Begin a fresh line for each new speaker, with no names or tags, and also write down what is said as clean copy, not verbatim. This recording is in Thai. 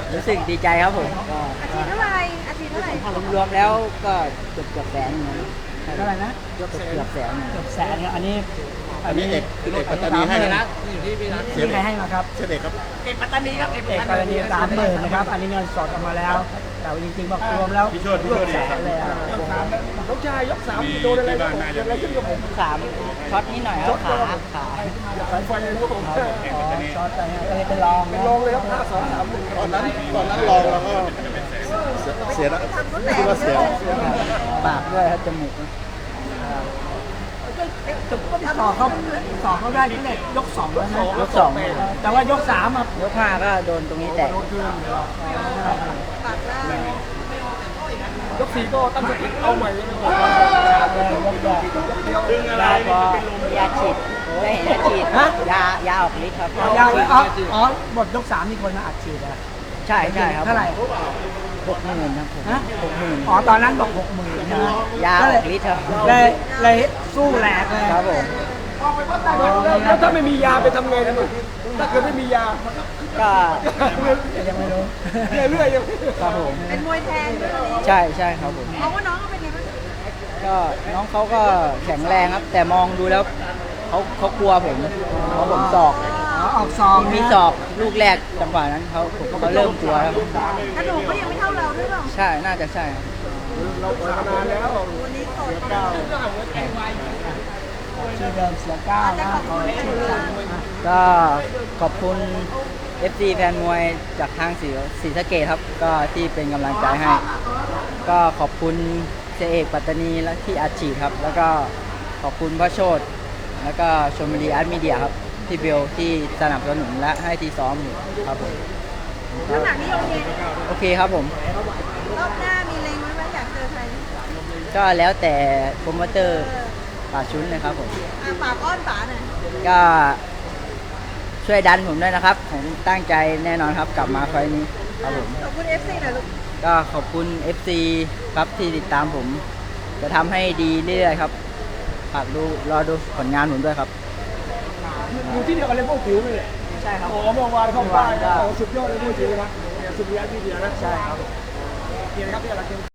รู้สึกดีใจครับผมก็
อาทิตย์เท่าไหร่อาทิตย์เท่าไหร่
รวมๆแล้วก็เกือบแสนนะ
เท่าไหร่นะ
เกือบแสน
เกือบแสนครับอันนี้
อันนี้เอกปัตตานีให้นะ
ที่ใครให้มาครับ
เสด็จครับ
เอกปัตตานี30,000นะครับอันนี้เงินสดออกมาแล้ว แต่ว่าจริงๆบอกรวมแล้ว
พี่โชติ
แสนเลยอะ
น้องชายยก3โดนอะไรเกิดอะไรขึ้นกับผม
ช็อตนิดหน่อยครับขา
สายไฟเลยครับผม
ช็อตไปฮะก็เลยเป็นรอง
เป็น
นะ
รองเลยครับ5 2 3 1
ตอนนั้นลองแล้วก็เสียแล้วคิดว่าเสีย
ปากด้วยครับจมูก
ต่อเขาได้ที่เด็กยก2แล้วนะ
ยกสอง
แต่ว่ายก3อ่ะ
ยกห้าก็โดนตรงนี้แตก
ปากล่าง
ยก4ก็ตั้งสติเอาใหม่เลย
ยาพอยาฉีดได้เห็นยาฉีดยาออกฤทธิ์ครับ
อ๋อหมดยก3มีคนมาอัดฉีดอ่ะ
ใช่ครับ
เท่าไหร่
60,000ครับผม
ฮะ
60,000
อ๋อตอนนั้นบอก60,000ใช่ไหม
ยาออกฤทธิ์ครับ
เลยสู้แหลกเลย
ครับผม
แล้วถ้าไม่มียาไปทำไงนะมึงถ้าเกิดไม่มียา
ก็
ยังไม่รู้
เรื่อยๆยัง
ครับผม
เป็นมวยแทนด้วยวันนี้
ใช่ครับผม
เพราะว่าน้องเขาเป็นไงบ้าง
ก็น้องเขาก็แข็งแรงครับ แต่มองดูแล้วเขากลัวผมเพราะผมศอก
อ๋อออกซอง
มีศอกลูกแรกจังหวะนั้นเขาเริ่มกลัวแล้ว
กระดูกก็ยังไม่เท่าเราด้วยเปล่า
ใช่น่าจะใช่ครับ
เราปล่อยมานานแล้ว
วันนี้สด
ชื่อเดิมเสียก้าวนะขอชื่อสั่ง
ก็ขอบคุณ FC แฟนมวยจากทางศรีสะเกษครับก็ที่เป็นกำลังใจให้ ก็ขอบคุณเสยเอกปัตตานีและที่อัดฉีดครับ แล้วก็ขอบคุณพระโชตแล้วก็ชมบุรีอาร์ตมีเดียครับที่เบลที่สนับสนุนและให้ที่ซ้อมอยู่ครับผม
น้ำหนักนี่โอเค
โอเคครับผม
รอบหน้ามีเล็งไว้ไหมอยากเจอใคร
ก็แล้วแต่โปรโมเตอร์ป่าชุนนะครับผม
ปากอ้อนป๋าหน่อย
ก็ช่วยดันผมด้วยนะครับ ผมตั้งใจแน่นอนครับกลับมาไฟล์นี้ครับผม
ขอบคุณ FC หน่อยลูก
ก็ขอบคุณ FC ครับที่ติดตามผม จะทำให้ดีเรื่อยๆครับฝากรอดูผลงานผมด้วยครับ
อยู่ที่เดียวกันเลยพวกผิวเลย
ใช่ครับ
โอ้เมื่อวานเข้าป้ายสุดยอดเลยพวกผิวนะสุดยอดที่เดียวนะใช่ครับเกียรติครับที่อะไร